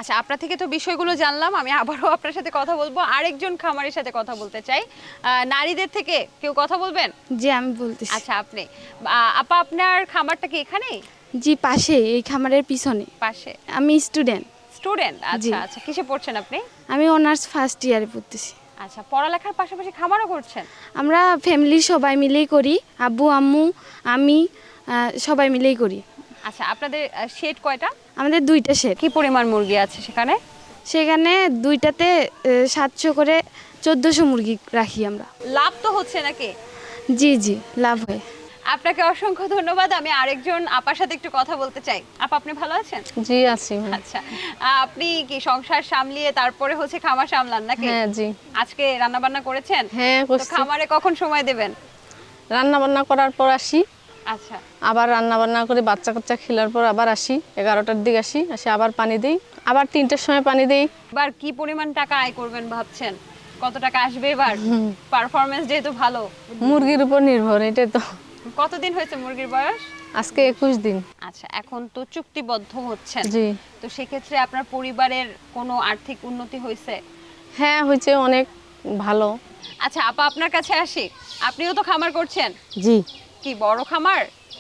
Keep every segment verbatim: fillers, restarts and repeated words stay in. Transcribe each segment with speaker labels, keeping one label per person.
Speaker 1: আচ্ছা, আপনার থেকে তো বিষয়গুলো জানলাম, আমি আবারও আপনার সাথে কথা বলবো। আরেকজন খামারের সাথে কথা বলতে চাই, নারীদের থেকে কেউ কথা বলবেন?
Speaker 2: জি, আমি বলতেছি।
Speaker 1: আচ্ছা, আপনি আপা, আপনার খামারটা কি এখানেই?
Speaker 2: জি, পাশে, এই খামারের পিছনে।
Speaker 1: পাশে?
Speaker 2: আমি স্টুডেন্ট।
Speaker 1: স্টুডেন্ট? আচ্ছা আচ্ছা, কিসে পড়ছেন আপনি?
Speaker 2: আমি অনার্স ফার্স্ট ইয়ারে পড়তেছি।
Speaker 1: আচ্ছা, পড়ালেখার পাশাপাশি খামারও করছেন?
Speaker 2: আমরা ফ্যামিলির সবাই মিলেই করি, আব্বু আম্মু আমি সবাই মিলেই করি।
Speaker 1: আচ্ছা, আপনাদের শেড কয়টা?
Speaker 2: আমাদের দুইটা শেড।
Speaker 1: কি পরিমাণ মুরগি আছে সেখানে?
Speaker 2: সেখানে দুইটাতে সাতশো করে চোদ্দোশো মুরগি রাখি আমরা।
Speaker 1: লাভ তো হচ্ছে নাকি?
Speaker 2: জি জি, লাভ হয়।
Speaker 1: আপনাকে অসংখ্য ধন্যবাদ। আমি আরেকজন আপার সাথে একটু কথা বলতে চাই। আপা, আপনি ভালো আছেন?
Speaker 3: জি আছি।
Speaker 1: আচ্ছা, আপনি কি সংসার সামলিয়ে তারপরে হচ্ছে খামার সামলান নাকি?
Speaker 3: হ্যাঁ জি।
Speaker 1: আজকে রান্না বান্না করেছেন?
Speaker 3: হ্যাঁ করছি।
Speaker 1: তো খামারে কখন সময় দেবেন?
Speaker 3: রান্না বান্না করার পর আসি,
Speaker 1: আচ্ছা,
Speaker 3: আবার রান্না বান্না করে বাচ্চা কাচ্চা খেলার পর আবার আসি, এগারোটার দিকে আসি, আসি আবার পানি দিই, আবার তিনটের সময় পানি দিই।
Speaker 1: এবার কি পরিমাণ টাকা আয় করবেন ভাবছেন? কত টাকা আসবে এবার? পারফরমেন্স যেহেতু ভালো।
Speaker 3: মুরগির উপর নির্ভর, এটাই তো।
Speaker 1: কতদিন হয়েছে মুরগির বয়স?
Speaker 3: আজকে একুশ দিন।
Speaker 1: আচ্ছা, এখন তো চুক্তিবদ্ধ হচ্ছেন,
Speaker 3: জি।
Speaker 1: তো সেক্ষেত্রে আপনার পরিবারের কোনো আর্থিক উন্নতি হয়েছে?
Speaker 3: হ্যাঁ হয়েছে, অনেক ভালো।
Speaker 1: আচ্ছা আপা, আপনার কাছে আসি, আপনিও তো খামার করছেন?
Speaker 4: জি।
Speaker 1: কি বড় খামার?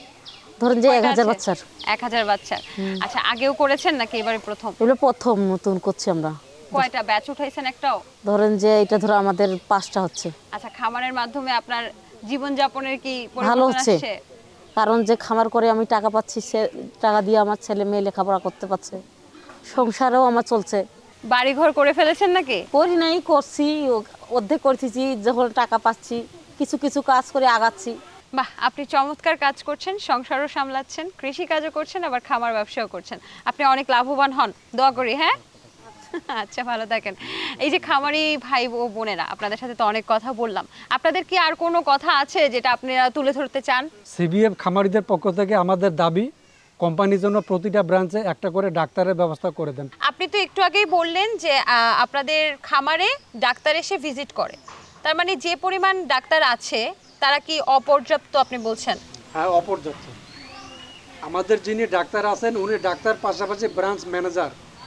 Speaker 4: ধরেন যে এক হাজার বাচ্চার।
Speaker 1: এক হাজার বাচ্চার। আচ্ছা, আগেও করেছেন নাকি এবারে প্রথম?
Speaker 4: এগুলো প্রথম নতুন করছি আমরা।
Speaker 1: কয়টা ব্যাচ উঠাইছেন? একটাও?
Speaker 4: ধরেন যে এটা ধরো আমাদের পাঁচটা হচ্ছে।
Speaker 1: আচ্ছা, খামারের মাধ্যমে আপনার জীবনযাপনের কি
Speaker 4: ভালো
Speaker 1: পরিবর্তন
Speaker 4: হচ্ছে,
Speaker 1: আসছে?
Speaker 4: কারণ যে খামার করে আমি টাকা পাচ্ছি, সে টাকা দিয়ে আমার ছেলে মেয়ে লেখাপড়া করতে পারছে, সংসারেও আমার চলছে।
Speaker 1: বাড়িঘর করে ফেলেছেন নাকি?
Speaker 4: করি নাই, করছি, অর্ধেক করতেছি, যখন টাকা পাচ্ছি কিছু কিছু কাজ করে আগাচ্ছি।
Speaker 1: বাহ, আপনি চমৎকার কাজ করছেন, সংসারও সামলাচ্ছেন, কৃষি কাজও করছেন, আবার খামার ব্যবসাও করছেন। আপনি অনেক লাভবান হন, দোয়া করি। হ্যাঁ, আচ্ছা, ভালো থাকেন। এই যে খামারি ভাই ও বোনেরা, আপনাদের সাথে তো অনেক কথা বললাম, আপনাদের কি আর কোনো কথা আছে যেটা আপনারা তুলে ধরতে চান?
Speaker 5: সিবিএফ খামারিদের পক্ষ থেকে আমাদের দাবি, কোম্পানির জন্য প্রতিটা ব্রাঞ্চে একটা করে ডাক্তারের ব্যবস্থা করে দেন।
Speaker 1: আপনি তো একটু আগেই বললেন যে আহ, আপনাদের খামারে ডাক্তার এসে ভিজিট করে, তার মানে যে পরিমাণ ডাক্তার আছে তারা কি অপর্যাপ্ত আপনি বলছেন?
Speaker 5: হ্যাঁ, অপর্যাপ্ত। আমাদের যিনি ডাক্তার আছেন উনি ডাক্তার, পাশাপাশি ব্রাঞ্চ ম্যানেজার,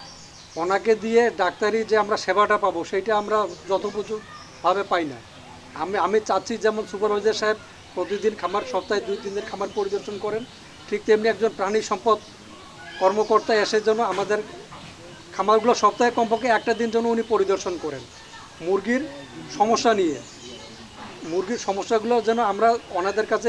Speaker 5: ওনাকে দিয়ে ডাক্তারি যে আমরা সেবাটা পাবো সেটা আমরা যথোপযুক্তভাবে পাই না। আমি আমি চাচ্ছি যেমন সুপারভাইজার সাহেব প্রতিদিন খামার, সপ্তাহে দুই তিন দিন খামার পরিদর্শন করেন, ঠিক তেমনি একজন প্রাণী সম্পদ কর্মকর্তা এসে যেন আমাদের খামারগুলো সপ্তাহে কমপক্ষে একটা দিন যেন উনি পরিদর্শন করেন, মুরগির সমস্যা নিয়ে, মুরগির সমস্যাগুলো যেন আমরা ওনাদের কাছে,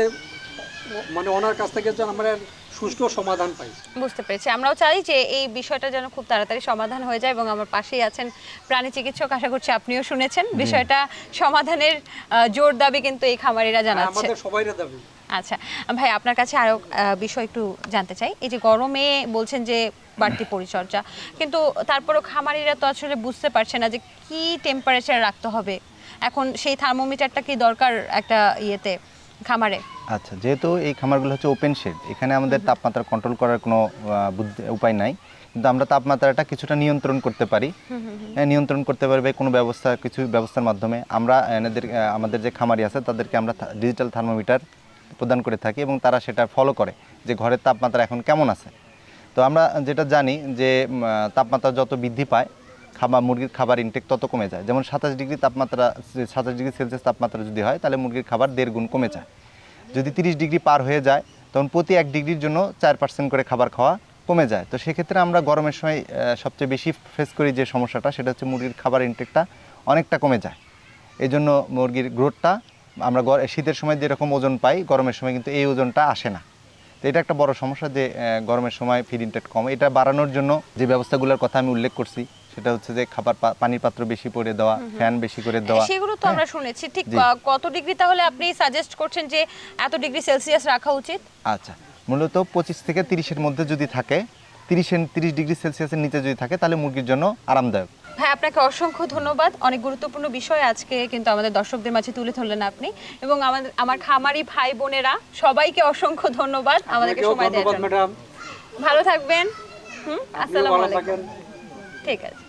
Speaker 5: মানে ওনার কাছ থেকে যেন আমরা সুষ্ঠু সমাধান পাই।
Speaker 1: বুঝতে পেরেছি। আমরাও চাই যে এই বিষয়টা যেন খুব তাড়াতাড়ি সমাধান হয়ে যায়, এবং আমার পাশেই আছেন প্রাণী চিকিৎসক, আশা করছি আপনিও শুনেছেন বিষয়টা সমাধানের জোর দাবি কিন্তু এই খামারিরা জানাচ্ছে।
Speaker 5: আমাদের সবাইরা দাবি।
Speaker 1: আচ্ছা ভাই, আপনার কাছে আরো বিষয় একটু জানতে চাই। এই যে গরমে বলছেন যে বাড়তি পরিচর্যা, কিন্তু তারপরও খামারিরা তো আসলে বুঝতে পারছে না যে কি টেম্পারেচার রাখতে হবে, এখন সেই থার্মোমিটারটা কি দরকার একটা ইয়েতে খামারে?
Speaker 6: আচ্ছা, যেহেতু এই খামারগুলো হচ্ছে ওপেন শেড, এখানে আমাদের তাপমাত্রা কন্ট্রোল করার কোনো উপায় নাই, কিন্তু আমরা তাপমাত্রাটা কিছুটা নিয়ন্ত্রণ করতে পারি। নিয়ন্ত্রণ করতে পারবে কোনো ব্যবস্থা, কিছু ব্যবস্থার মাধ্যমে আমরা এনাদের, আমাদের যে খামারি আছে তাদেরকে আমরা ডিজিটাল থার্মোমিটার প্রদান করে থাকি, এবং তারা সেটা ফলো করে যে ঘরের তাপমাত্রা এখন কেমন আছে। তো আমরা যেটা জানি যে তাপমাত্রা যত বৃদ্ধি পায়, খাবার মুরগির খাবার ইনটেক তত কমে যায়। যেমন সাতাশ ডিগ্রি তাপমাত্রা, সাতাশ ডিগ্রি সেলসিয়াস তাপমাত্রা যদি হয় তাহলে মুরগির খাবার দেড় গুণ কমে যায়। যদি তিরিশ ডিগ্রি পার হয়ে যায় তখন প্রতি এক ডিগ্রির জন্য চার পার্সেন্ট করে খাবার খাওয়া কমে যায়। তো সেক্ষেত্রে আমরা গরমের সময় সবচেয়ে বেশি ফেস করি যে সমস্যাটা, সেটা হচ্ছে মুরগির খাবার ইনটেকটা অনেকটা কমে যায়। এই জন্য মুরগির গ্রোথটা আমরা শীতের সময় যেরকম ওজন পাই, গরমের সময় কিন্তু এই ওজনটা আসে না। তো এটা একটা বড় সমস্যা যে গরমের সময় ফিড ইনটেক কম। এটা বাড়ানোর জন্য যে ব্যবস্থাগুলোর কথা আমি উল্লেখ করছি, সেটা হচ্ছে যে খাবার, পানির পাত্র বেশি করে দেওয়া, ফ্যান বেশি করে দেওয়া,
Speaker 1: সেগুলো তো আমরা শুনেছি। ঠিক কত ডিগ্রি তাহলে আপনি সাজেস্ট করছেন যে এত ডিগ্রি সেলসিয়াস রাখা উচিত?
Speaker 6: আচ্ছা, মূলত পঁচিশ থেকে তিরিশের মধ্যে যদি থাকে, তিরিশ তিরিশ ডিগ্রি সেলসিয়াসের নিচে যদি থাকে তাহলে মুরগির জন্য আরামদায়ক।
Speaker 1: ভাই, আপনাকে অসংখ্য ধন্যবাদ। অনেক গুরুত্বপূর্ণ বিষয় আজকে কিন্তু আমাদের দর্শকদের মাঝে তুলে ধরলেন আপনি, এবং আমাদের আমার খামারি ভাই বোনেরা সবাইকে অসংখ্য ধন্যবাদ আমাদেরকে সময় দেওয়ার জন্য। ভালো থাকবেন। হুম, আসসালামু আলাইকুম।
Speaker 5: ঠিক আছে।